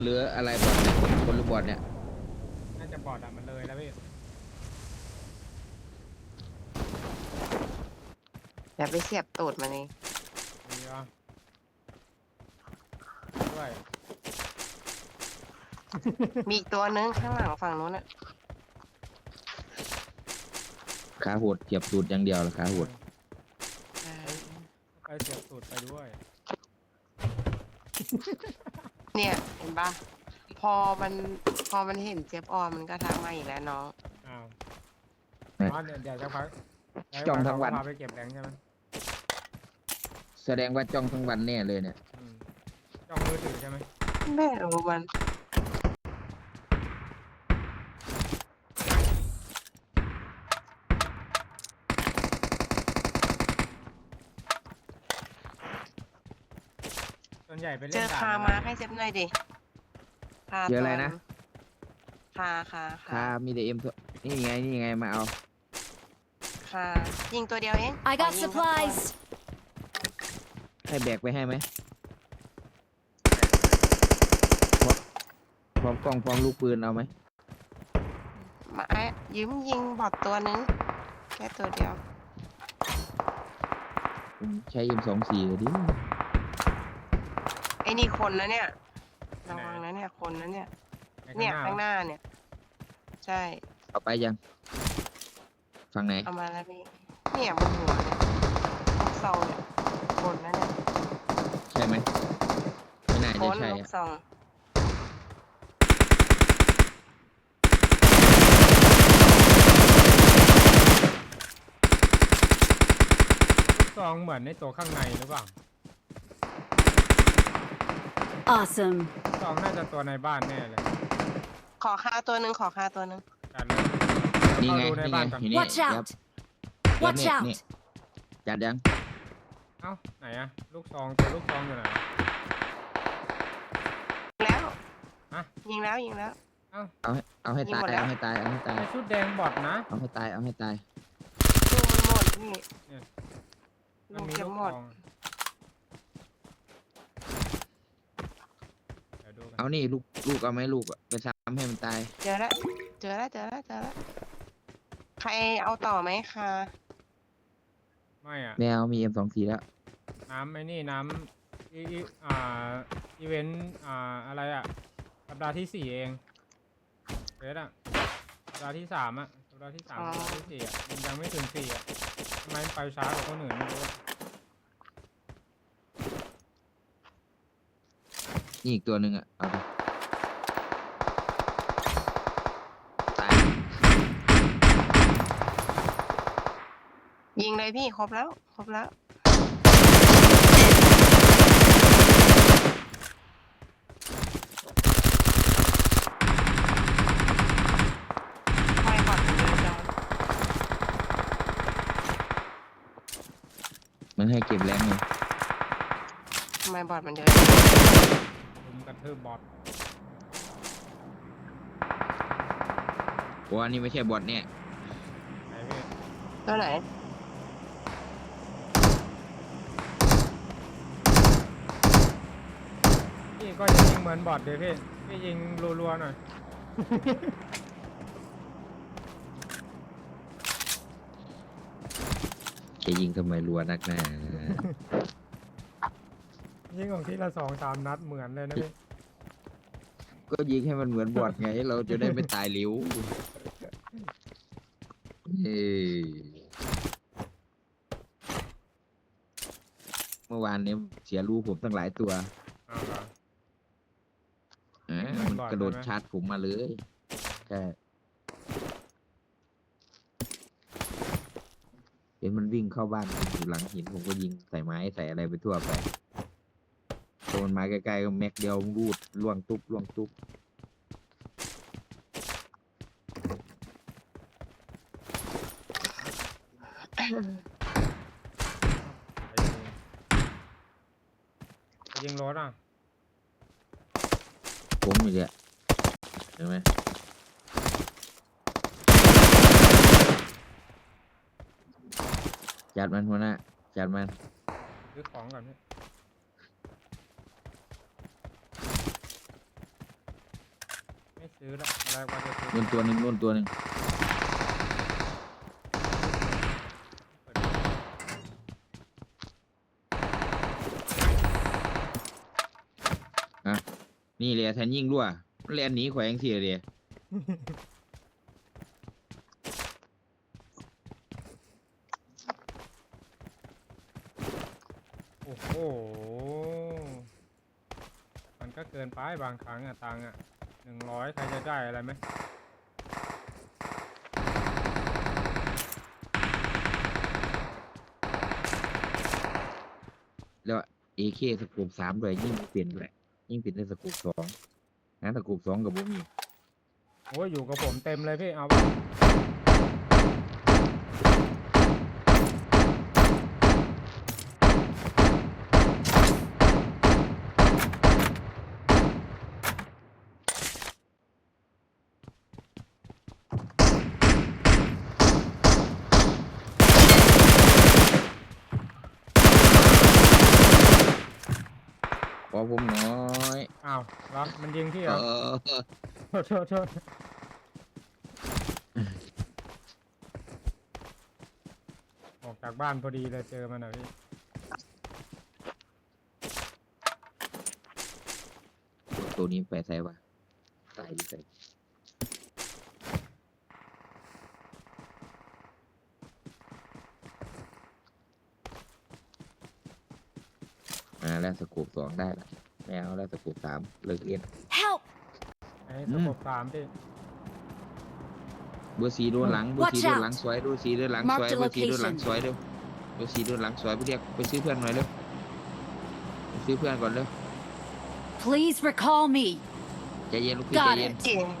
หรืออะไรบอทเนี่ยคนหรือบอทเนี่ยน่าจะบอดมันเลยแล้วพี่อย่าไปเสียบตูดมันเองมีวะด้วยมีอีกตัวนึงข้างหลังฝั่งนู้นอ่ะขาโหดเจียบตูดอย่างเดียวละขาโหดไปเสียบสูตรไปด้วยเนี่ยเห็นปะพอมันพอมันเห็นเจี๊ยบออนมันก็ทักมาอีกแล้วน้องอ้าวอ๋อเดี๋ยวจะพักจ้องทั้งวันพาไปเก็บแรงใช่ไหมแสดงว่าจ้องทั้งวันแน่เลยเนี่ยจ้องมือถือใช่ไหมแม่รู้มันส่วนใหญ่ไปเล่เจนอด่านคาอะไรมาให้เซฟหน่อยดิคาเจออะไรนะคาขามีแต่เอ็มนี่ไงมาเอาคายิงตัวเดียวเอง I ขอ got ยิงสักตัว supplies. ให้แบกไปให้ไหมพร้อมกล้องพร้อมลูกปืนเอาไหมมาไอ้ยืมยิงบอดตัวนึงแค่ตัวเดียวใช้ M24ก็ดีไอ้นี่คนนะเนี่ยระวังนะเนี่ยคนนะเนี่ยไอ้เนี่ยข้าข้าง งหหน้าน้าเนี่ย ใช่เอาไปยังฝั่งไหนเอามาแล้วพี่เนี่ยบนหัวเนี่ยลูกซองเนี่ยบนนะเนี่ยใช่ไหมไม่น่าบจะนใช่ลูกอะซองซองเหมือนในตัวข้างในหรือเปล่า Awesome. ซองน่าจะตัวในบ้านแน่เลยขอคาตัวหนึ่งขอคาตัวหนึ่งจัดเลยนี่ไงเข้าดูในนี่ไงบ้านก่อนอยู่นี่ Watch ยับ out. Watch นี่ out. นี่จัดยังเอ้าไหนอะลูกซองตัวลูกซองอยู่ไหนแล้วฮะยิงแล้วยิงแล้วเอาให้ยิงตายหมดแล้วเอาให้ตายเอาให้ตายไอชุดแดงบอดนะเอาให้ตายเอาให้ตายดูมันหมดพี่มัลูนกมีเก็บลูกหมซดองเดี๋ยวดูกันเอานี่ลูกเอาไหมลูกอะไปซ้ำให้มันตายเจอแล้วเจอแล้วเจอแล้วเจอแล้วใครเอาต่อไหมคะไม่อะแมวมี M24แล้วน้ำไอ้นี่น้ำอีเวนต์อะไรอะสัปดาห์ที่4เองเฟสอะสัปดาห์ที่3อะสัปดาห์ที่3สัปดาห์ที่4อะมันยังไม่ถึง4อะทำไมมันไปช้ากว่าคนอื่นไม่รู้อะนี่อีกตัวหนึ่งอ่ะเอาไปตายยิงเลยพี่ครบแล้วครบแล้วทำไมบอดถึงเยอะจังมันให้เก็บแรงเลยทำไมบอดมันเยอะลุมกระทืบบอทโอ้อันนี้ไม่ใช่บอทเนี่ยไหนพี่ตัวไหนพี่ก็จะยิงเหมือนบอทเดี๋ยวพี่ยิงรัวๆหน่อยจะยิงทำไมรัวนักหนายิงของที่ละ2-3 นัดเหมือนเลยนะพี่ก็ยิงให้มันเหมือนบอทไง เราจะได้ไม่ตายเร็วเอ้ยเมื่อวานนี้เสียรูผมตั้งหลายตัวเอาเหรอมันบอทกระโดดใช่ไหมชาร์จผมมาเลยใช่เห็นมันวิ่งเข้าบ้านผมอยู่หลังหินผมก็ยิงใส่ไม้ใส่อะไรไปทั่วไปโดนมาใกล้ๆก็แม็กเดียวรูดล่วงตุ๊บล่วงตุ๊บไปยิงรถอ่ะผมอยู่เนี่ยเห็นไหมจัดมันหัวหน้าจัดมันซื้อของก่อนพี่ซื้อละตอนแรกว่าจะซื้อนู่นตัวหนึ่งนู่นตัวหนึ่งอ่ะนี่เลยแทนยิงด้วยแลนหนีแขวงเสียเลยโอ้โหมันก็เกินไปบางครั้งอะตังค์อะ100ใครจะได้อะไรไหมแล้วเอเคสกูป3ด้วยยิ่งเปลี่ยนด้วยยิ่งเปลี่ยนได้สกูป2นะสกูป2กับผมมีโอ้ยอยู่กับผมเต็มเลยพี่เอาปะขอผมน้อยอ้าวเหรอมันยิงพี่เหเอรออโทษออกจากบ้านพอดีเลยเจอมันอะพี่ตัวนี้ไปใส่วะตายดิใส่แล้วสกูป2ได้ละไม่เอาแล้วสกูป3เลิกเล่น Help! ไอ้สกบ3พี่เบอร์4โดนหลังเบอร์ Watch 4โดนหลัง out สวยเบอร์4โดนหลัง Mark สวย the เบอร์4โดนหลัง location สวยเร็วเบอร์4โดนหลังสวยไปเรียกไปซื้อเพื่อนหน่อยเร็วไปซื้อเพื่อนก่อนเร็ว Please recall me. ใจเย็นลูกพี่ใจ Got เย็น it. เก่ง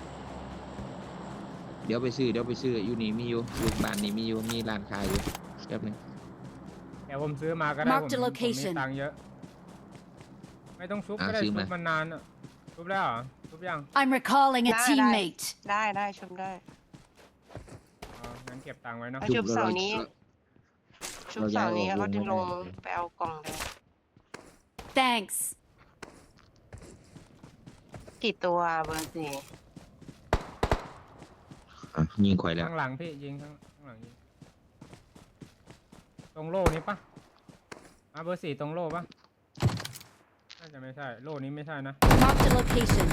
เดี๋ยวไปซื้ออยู่นี่มีอยู่บ้านนี่มีอยู่มีร้านขายอยู่แป๊บนึงเดี๋ยวผมซื้อมาก็ได้ Mark ผม the มี location ตังค์เยอะ ไม่ต้องชุบอ่ะก็ได้ซื้อชุมาบมันนานอะชุบแล้วเหรอชุบยัง I'm recalling a Nah, teammate. ได้ชมได้อ๋องั้นเก็บตังค์ไว้เนาะเอาชุบเสานี้ ชุบเสานี้เขาจึงลงไปเอากล่องเลย Thanks. กี่ตัวเบอร์สี่ยิงข่อยแล้วข้างหลังพี่ยิงข้างหลังยิงตรงโล่นี้ปะเบอร์ 4ตรงโล่ปะน่าจะไม่ใช่โล่นี้ไม่ใช่นะ Mark the location.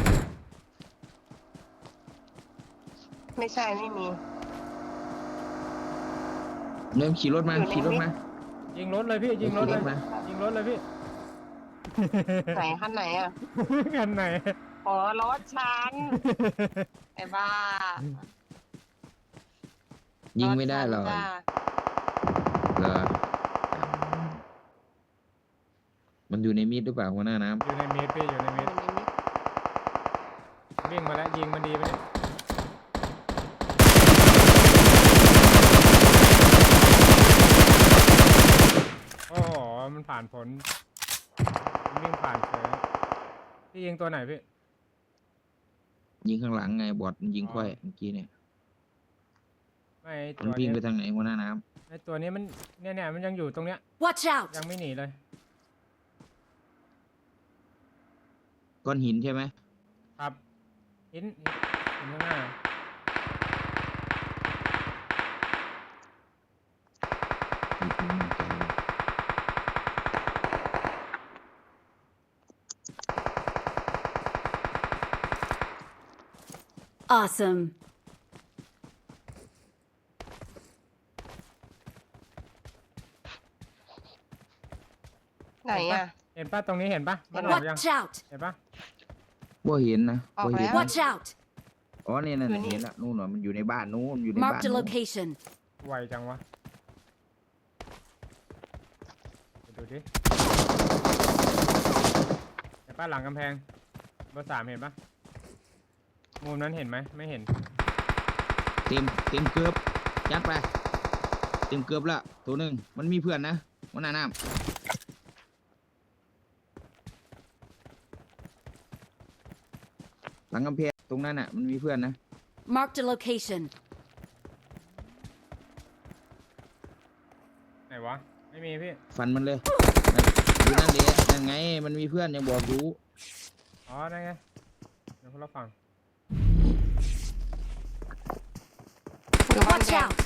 ไม่ใช่ไม่มีเริ่มขี่รถมาอยู่ในขี่รถมายิงรถเลยพี่ยิงรถเลยขี่มายิงรถเลยพี่ไหนขั้นไหนอ่ะกันไหนอ๋อรถฉันไอ้บ้ายิงไม่ได้หรอกถฉันจ้าเหรอมันอยู่ในมีดหรือเปล่าหัวหน้าน้อยู่ในเมตรพี่อยู่ในเมตรวิ่งมาแล้วยิงมันดีไปเนี่ยโอ้โหมันผ่านผลมันวิ่งผ่านเฉยพี่ยิงตัวไหนพี่ำยิงข้างหลังไงบอดมันยิงค่อยเมื่อกี้เนี่ยไม่ตัมันววิ่งเนี้ไปยทางไหนหัวหน้าน้ไอตัวนี้มันเนี่ยมันยังอยู่ตรงเนี้ย Watch out. ยังไม่หนีเลยำก้อนหินใช่ไหมครับหินข้างหน้า Awesome. ไหนอ่ะเห็นปะตรงนี้เห็นปะมันออกยัง Watch out. เห็นปะบ่เห็นนะออกบ่แล้เห็นว Watch out. อ๋อเนี่ยนั่นอยู่นี่เห็นละนู่นน่ะมันอยู่ในบ้านนู้นอยู่ในบ้าน Mark the นู้น location. ไวจังวะไปดูดิเห็นปะหลังกำแพงเบอร์ 3เห็นปะมุมนั้นเห็นไหมไม่เห็นเต็มเกือบยัดไปเต็มเกือบละตัวหนึ่งมันมีเพื่อนนะหัวหน้าน้ำหลังกำแพงตรงนั้นน่ะมันมีเพื่อนนะ Mark the location. ไหนวะไม่มีพี่ฟันมันเลยดูนั่นเดะนั่นไงมันมีเพื่อนยังบอกอยู่อ๋อได้ไงเดี๋ยวคนละฝั่งอยู่บ้าน Watch แดง out!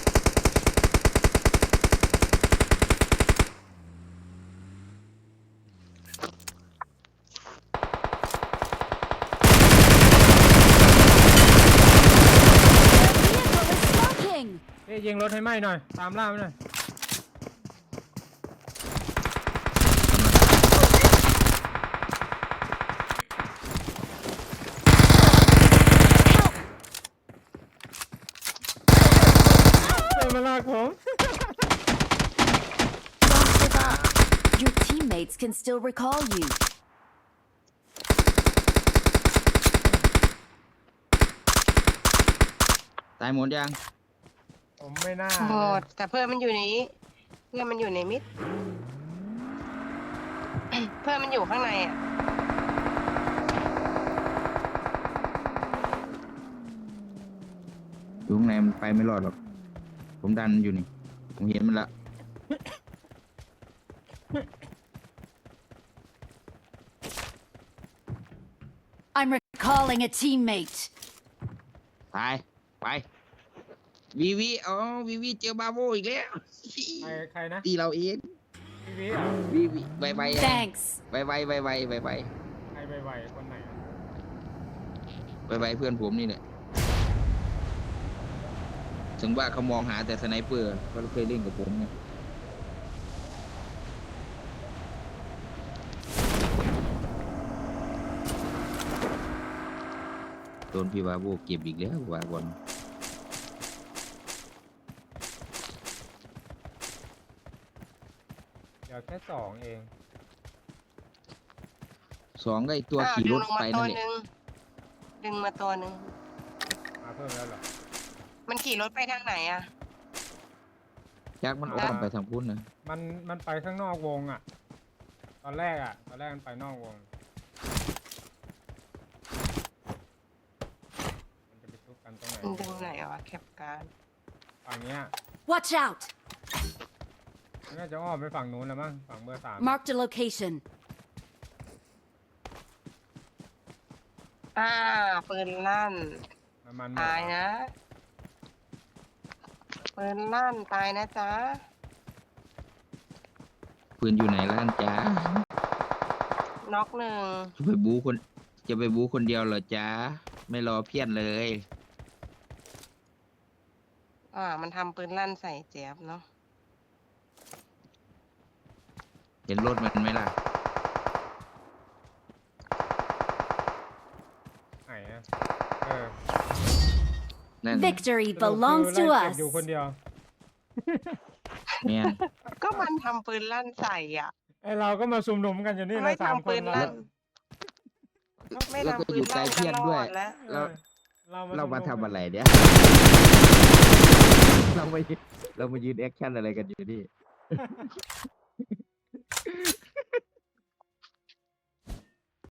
เอ้ยยิงรถให้ไหมหน่อย ตามล่ามันหน่อย เดินมาลากผม Your teammates can still recall you. ตายหมดยังผมไม่น่าหมดแต่เพื่อนมันอยู่ในนี้เพื่อนมันอยู่ในมิด เพื่อนมันอยู่ข้างในอ่ะอยู่ข้างในมันไปไม่รอดหรอก ผมดันอยู่นี่ ผมเห็นมันละ I'm recalling a teammate. ตาย ไป วีวีอ๋อวีวีเจอบาโวอีกแล้วใครนะตีเราเองพี่วิอ่ะวีวีไวไว Thanks. ไวไวไวไวไวไวใครไวๆคนไหนอะไวไวเพื่อนผมนี่แหละถึงว่าเขามองหาแต่สไนเปอร์เขาเคยเล่นกับผมไงโดนพี่บาโวเก็บอีกแล้วว่าบอลเดี๋ยวแค่สองเองสองก็ไอตัวอ้าวขี่รถดึงลงไปมาตันั่วนแหละหนึ่งดึงมาตัวหนึ่งมาเพิ่มแล้วเหรอมันขี่รถไปทางไหนอ่ะยักษ์มันอ้อมไปทางพุ่นนะมันไปข้างนอกวงอ่ะ ตอนแรกมันไปนอกวง มันจะไปทุบกันตรงไหนมันดึงไหนวะแคปการฝั่งเนี้ย Watch out! มันน่าจะอ้อมไปฝั่งนู้นแล้วมั้ง ฝั่งเบอร์สาม Marked a location. ปืนลั่นมันหมดตายนะปืนลั่นตายนะจ๊ะปืนอยู่ไหนล่ะจ๊ะน็อกหนึ่งจะไปบูคนเดียวเหรอจ๊ะไม่รอเพี้ยนเลยมันทำปืนลั่นใส่เจี๊ยบเนาะเห็นรถมันไหมล่ะไหนอะเออนั่น Victory สรุป belongs คือ to ไล่เก็บ us. อยู่คนเดียวแม่นก็มันทำปืนลั่นใส่อ่ะไอเราก็มาซุ่มนุมกันอยู่นี่ไม่นะสามทำคปืนนเราลั่นไม่แล้วก็ทำปือน ยู่ไกลลั่นเพี้ยนด้วยก็รอแล้วแล้ว เรามาซุ่ทำๆอะไรเนี่ย เรามายืนแอคชั่นอะไรกันอยู่นี่